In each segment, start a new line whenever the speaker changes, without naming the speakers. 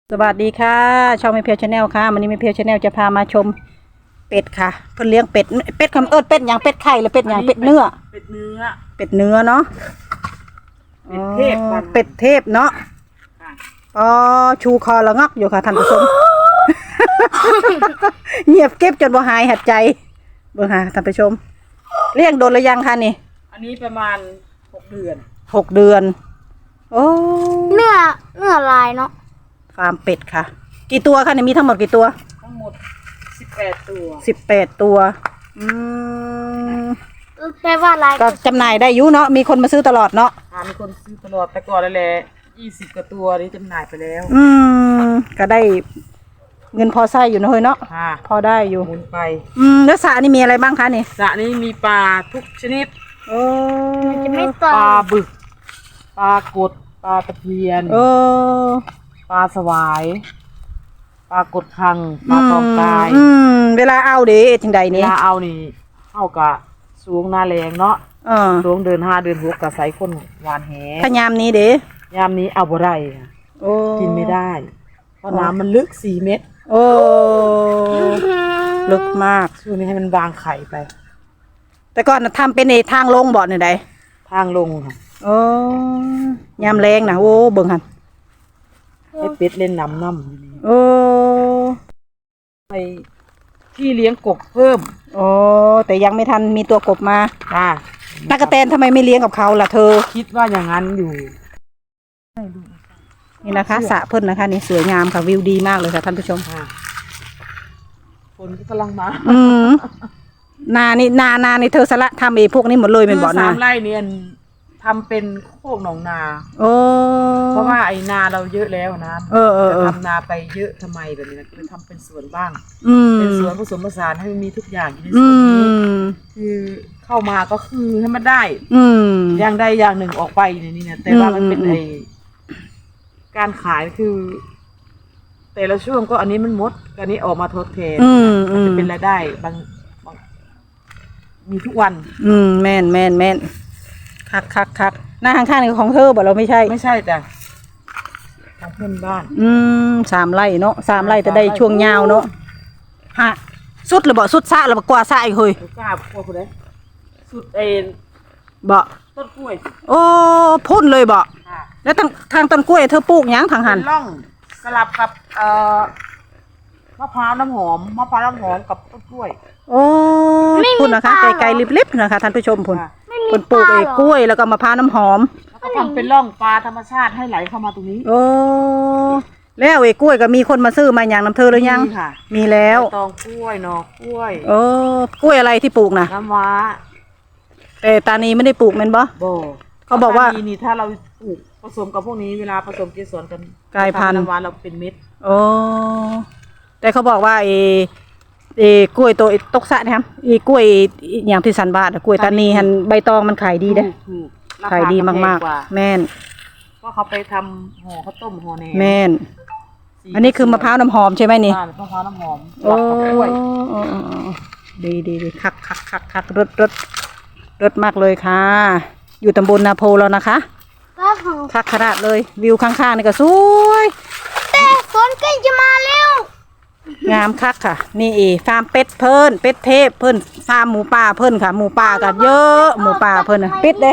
สวัสดีค่ะช่องไม่เพียวชาแนลค่ะวันนี้ไม่เพียวชาแนลจะพามาชมเป็ดค่ะเพิ่นเลี้ยงเป็ดคำเป็ดอย่างเป็ดไข่หรือเป็ดอย่างเป็ดเนื้อเป็ดเนื้อเนาะเป็ดเทพเนาะอ๋อชูคอละงักอยู่ค่ะท่านผู้ชม เงียบเก็บจนบ่หายหัดใจเบิ่งค่ะท่านผู้ชมเลี้ยงโดนหรือยังคะนี่
อันนี้ประมาณ6 เดือน
โอ้
เนื้อลายเนาะ
ฟาร์มเป็ดค่ะกี่ตัวคะเนี่ยมีทั้งหมดกี่ตัว
ทั้งหมด18 ตัว
ตัว
แปลว่าลาย
ก็จำหน่ายได้อยู่เนาะมีคนมาซื้อตลอดเนาะ
มีคนซื้อตลอดแต่ก่อนแหละ20 กว่าตัวนี้จำหน่ายไปแล้ว
ก็ได้เงินพอใช้อยู่นะเฮ้ยเนาะพอได้อยู่
หมุนไป
แล้วสระนี่มีอะไรบ้างคะนี่
สระนี้มีปลาทุกชนิด
มันจะไม่ต
ปลาบึกปลากดปลาตะเพียนปลาสวายปลากดคังปลาตองกาย
เวลาเอาเด้จังใดนี่
เวลาเอานี่เอากะสูงหน้าแรงเนาะสูงเดือน5 เดือน6กะใส่คนหวานแห
ถ้ายามนี้เด้
ยามนี้เอาบ่ได้กินไม่ได้เพราะน้ำมันลึก4 เมตร
ลึกมาก
ช่วงนี้ให้มันวางไข่ไป
แต่ก่อนทำเป็นในทางลงบ่อนี่ใด
ทางลงค่ะ
ยามแรงนะเบิ่งหัน
ให้เป็ดเล่นน้ำไปที่เลี้ยงกบเพิ่ม
แต่ยังไม่ทันมีตัวกบมาตากระแตนทำไมไม่เลี้ยงกับเขาล่ะเธอ
คิดว่าอย่างนั้นอยู่
นี่นะคะสระเพิ่นนะคะนี่สวยงามค่ะวิวดีมากเลยค่ะท่านผู้ชม
ฝนกำลังมา
นานี่เธอสละทำเองพวกนี้หมดเลยเป็นบ่อนา
3 ไร่เนี่ยทำเป็นโคกหนองนาเพราะว่าไอ้นาเราเยอะแล้วนะจะทำนาไปเยอะทำไมแบบนี้นะเลยทำเป็นสวนบ้างเป็นสวนผสมผสานให้มันมีทุกอย่างอยู่ในสวนนี้คือเข้ามาก็คือให้มันได้อย่างใดอย่างหนึ่งออกไปในนี้นะแต่ว่ามันเป็นไอ้การขายคือแต่ละช่วงก็อันนี้มันหมดอันนี้ออกมาทดแทนมันจะเป็นรายได้บางมีทุกวัน
แม่นคักหน้าข้างๆนี่ของเธอบ่เราไม่ใช่
แต่ของเพื่อนบ้าน
3 ไร่เนาะ3 ไร่จะได้ช่วงยาวเนาะฮะสุดหรือบ่สุดซะหรือบ่กว่าซะอีกเฮ้ย
กล้าพวกคนไหนสุดเอ็น
บ่
ต้นกล้วย
พ่นเลยบ่แล้วทางต้นกล้วยเธอปลูกหยังทางหัน
ร่องสลับกับมะพร้าวน้ำหอมกับต้นกล้วย
พุ่นนะคะไกลๆลิบๆนะคะท่านผู้ชมพุ่นปลูกกล้วยแล้วก็มะพร้าวน้ำหอม
แล้วก็ทำเป็นร่องปลาธรรมชาติให้ไหลเข้ามาตรงนี้
แล้วกล้วยก็มีคนมาซื้อมาอย่างน้ำเธอหรือยังมีแล้ว
ตองกล้วยหน่อกล้วย
กล้วยอะไรที่ปลูกนะ
น้ำว้า
แต่ตานีไม่ได้ปลูกแม่นบ่เขาบอกว่า
นี่ถ้าเราปลูกผสมกับพวกนี้เวลาผสมเกสรกัน
กลายพันธุ์
น้ำว้าเราเป็นเม็ด
แต่เขาบอกว่ากล้วยตัวตกสะนะครับกล้วยอย่างที่สันบาทกล้วยตานีหันใบตองมันขายดีเด้ขายดีมากๆแม่น
ก็เขาไปทำห่อข้าวต้มห่อแหนม
แม่นอันนี้คือมะพร้าวน้ำหอมใช่ไหมนี่
มะพร้าวน้ำหอม
ดีคักรถมากเลยค่ะอยู่ตำบลนาโพแล้วนะคะคักขนาดเลยวิวข้างๆนี่ก็สวย
แต่ฝนใกล้จะมาแล้ว
งามคักค่ะนี่ฟาร์มเป็ดเป็ดเทพเพิ่นฟาร์มหมูป่าเพิ่นค่ะหมูป่าก็เยอะหมูป่าเพิ่นปิดเด้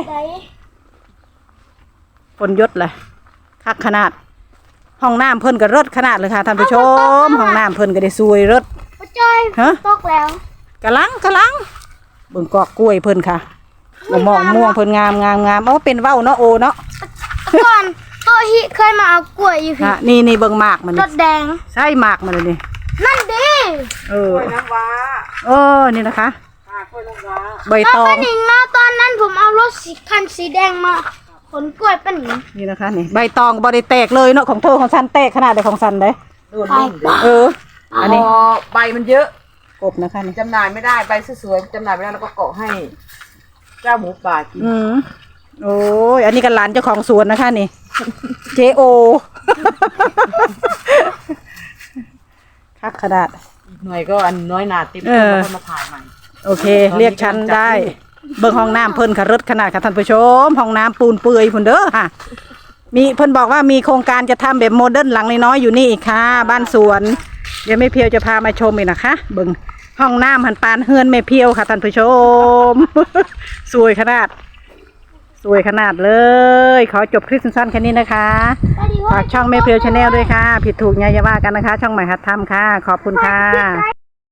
ฝนยศเลยคักขนาดห้องน้ำเพิ่นก็รถขนาดเลยค่ะท่านผู้ชมห้องน้ำเพิ่นก็ได้สวยรถ
ตกแล้ว
กะลังเบิ่งกอกกล้วยเพิ่นค่ะมองม่วงเพิ่นงามเป็นเว้าเนาะเนาะ
ก่อนโตฮิเคยมาเอากล้วยอยู่
พี่นี่เบิ่งหมากมัน
รถแดง
ใช่หมากมันเลยนี่
นั่นดิ
กล้วยน้ำว้
านี่นะคะ
กล้วยน้ำว้า
ใบตอง
ป้าหนิงนะตอนนั้นผมเอารถคันสีแดงมาขนกล้วยป้าหนิง
นี่นะคะนี่ใบตองบ่ได้แตกเลยเนาะของเธอของฉันแตกขนาดเดียวของฉันเลย
อันนี้ใบมันเยอะ
กบนะคะนี่
จำหน่ายไม่ได้ใบสวยๆจำหน่ายไม่ได้แล้วก็เกาะให้เจ้าหมูป่ากิน
อันนี้กันหลานเจ้าของสวนนะคะนี่JO คักขนาด
อีกหน่อยก็อันน้อยหนาเต็มแล้วก็มาถ่ายใหม่
โอเคเรียกฉันได้เบิ่งห้องน้ำเพิ่นค่ะรถขนาดค่ะท่านผู้ชมห้องน้ำปูนเปื่อยพุ่นเด้อค่ะมีเพิ่นบอกว่ามีโครงการจะทำแบบโมเดิร์นหลังน้อยๆอยู่นี่อีกค่ะ บ้านสวนเดี๋ยวแม่เพียวจะพามาชมอีกนะคะเบิ่งห้องน้ำหันปานเฮือนแม่เพียวค่ะท่านผู้ชม สวยขนาดเลย ขอจบคลิปสั้นๆแค่นี้นะคะฝากช่องแม่เพียวชาแนลด้วยค่ะ ผิดถูกอย่าว่ากันนะคะ ช่องใหม่หัดทำค่ะ ขอบคุณค่ะ